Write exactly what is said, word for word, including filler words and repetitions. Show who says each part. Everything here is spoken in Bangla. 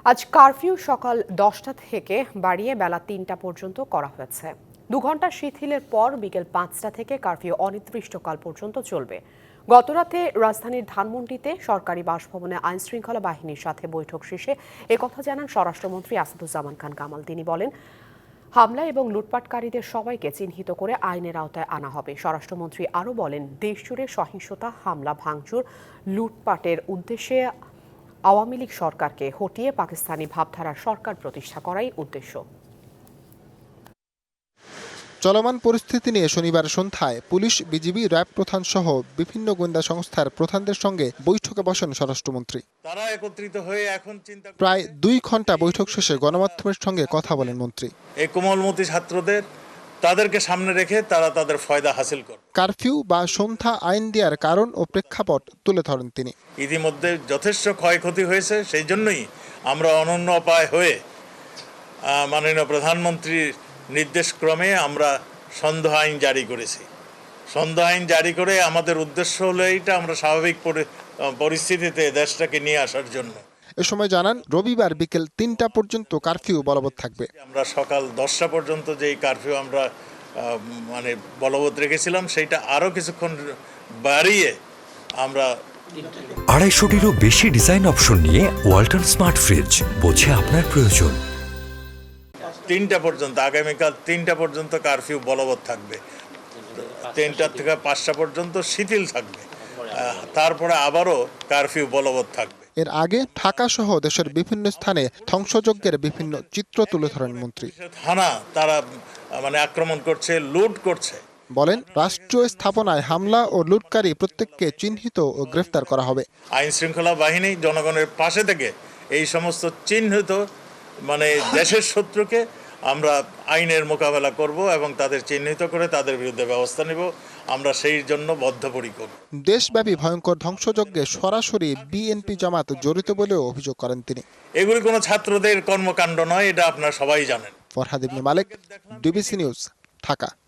Speaker 1: আজ কারফিউ সকাল দশটা থেকে বাড়িয়ে বেলা তিনটা পর্যন্ত করা হয়েছে। দু ঘন্টা শিথিলের পর বিকেল পাঁচটা থেকে কারফিউ অনির্দিষ্টকাল পর্যন্ত চলবে। গতরাতে রাজধানীর ধানমন্ডিতে সরকারি বাসভবনে আইনশৃঙ্খলা বাহিনীর সাথে বৈঠক শেষে একথা জানান স্বরাষ্ট্রমন্ত্রী আসাদুজ্জামান খান কামাল। তিনি বলেন, হামলা এবং লুটপাটকারীদের সবাইকে চিহ্নিত করে আইনের আওতায় আনা হবে। স্বরাষ্ট্রমন্ত্রী আরও বলেন, দেশজুড়ে সহিংসতা, হামলা, ভাঙচুর, লুটপাটের উদ্দেশ্যে আওয়ামী লীগ সরকারকে হটিয়ে পাকিস্তানি ভাবধারার সরকার প্রতিষ্ঠা করাই উদ্দেশ্য।
Speaker 2: চলমান পরিস্থিতি নিয়ে শনিবার সন্ধ্যায় পুলিশ, বিজিবি, র্যাব প্রধান সহ বিভিন্ন গোয়েন্দা সংস্থার প্রধানদের সঙ্গে বৈঠকে বসেন স্বরাষ্ট্রমন্ত্রী।
Speaker 3: তারা একত্রিত হয়ে এখন চিন্তা
Speaker 2: প্রায় দুই ঘন্টা বৈঠক শেষে গণমাধ্যমের সঙ্গে কথা বলেন মন্ত্রী।
Speaker 3: এই কোমলমতি ছাত্রদের তাদেরকে সামনে রেখে তারা তাদের ফায়দা হাসিল করে
Speaker 2: কারফিউ বা সন্ধ্যা আইন দেওয়ার কারণ ও প্রেক্ষাপট তুলে ধরেন তিনি।
Speaker 3: ইতিমধ্যে যথেষ্ট ক্ষয়ক্ষতি হয়েছে, সেই জন্যই আমরা অনন্য উপায় হয়ে মাননীয় প্রধানমন্ত্রীর নির্দেশক্রমে আমরা সন্ধ্যা আইন জারি করেছি। সন্ধ্যা আইন জারি করে আমাদের উদ্দেশ্য হলো এইটা, আমরা স্বাভাবিক পরিস্থিতিতে দেশটাকে নিয়ে আসার জন্য।
Speaker 2: এ সময় জানান, রবিবার বিকেল তিনটা পর্যন্ত কারফিউ বলবৎ থাকবে।
Speaker 3: আমরা সকাল দশটা পর্যন্ত যেই কারফিউ আমরা মানে বলবৎ রেখেছিলাম, সেইটা আরও কিছুক্ষণ বাড়িয়ে আমরা
Speaker 4: আড়াইশোটিরও বেশি ডিজাইন অপশন নিয়ে ওয়ালটন স্মার্ট ফ্রিজ, বোঝে আপনার প্রয়োজন।
Speaker 3: তিনটা পর্যন্ত, আগামীকাল তিনটা পর্যন্ত কারফিউ বলবৎ থাকবে। তিনটা থেকে পাঁচটা পর্যন্ত শিথিল থাকবে, তারপরে আবারও কারফিউ বলবৎ থাকবে।
Speaker 2: এর আগে ঢাকা সহ দেশের বিভিন্ন স্থানে ধ্বংসযজ্ঞের বিভিন্ন চিত্র তুলে ধরেন মন্ত্রী।
Speaker 3: থানা তারা মানে আক্রমণ করছে, লুট করছে।
Speaker 2: বলেন, রাষ্ট্রীয় স্থাপনায় হামলা ও লুটকারী প্রত্যেককে চিহ্নিত ও গ্রেফতার করা হবে।
Speaker 3: আইন শৃঙ্খলা বাহিনী জনগণের পাশে থেকে এই সমস্ত চিহ্নিত মানে দেশের শত্রুকে আমরা আইনের মোকাবেলা করব এবং তাদের চিহ্নিত করে তাদের বিরুদ্ধে ব্যবস্থা নেব। আমরা সেই জন্য বদ্ধপরিকর।
Speaker 2: দেশব্যাপী ভয়ঙ্কর ধ্বংসযজ্ঞে সরাসরি বিএনপি জামাত জড়িত বলেও অভিযোগ করেন তিনি।
Speaker 3: এগুলি কোনো ছাত্রদের কর্মকাণ্ড নয়, এটা আপনারা সবাই জানেন।
Speaker 2: Farhad Ibne Malek, DBC news, Dhaka.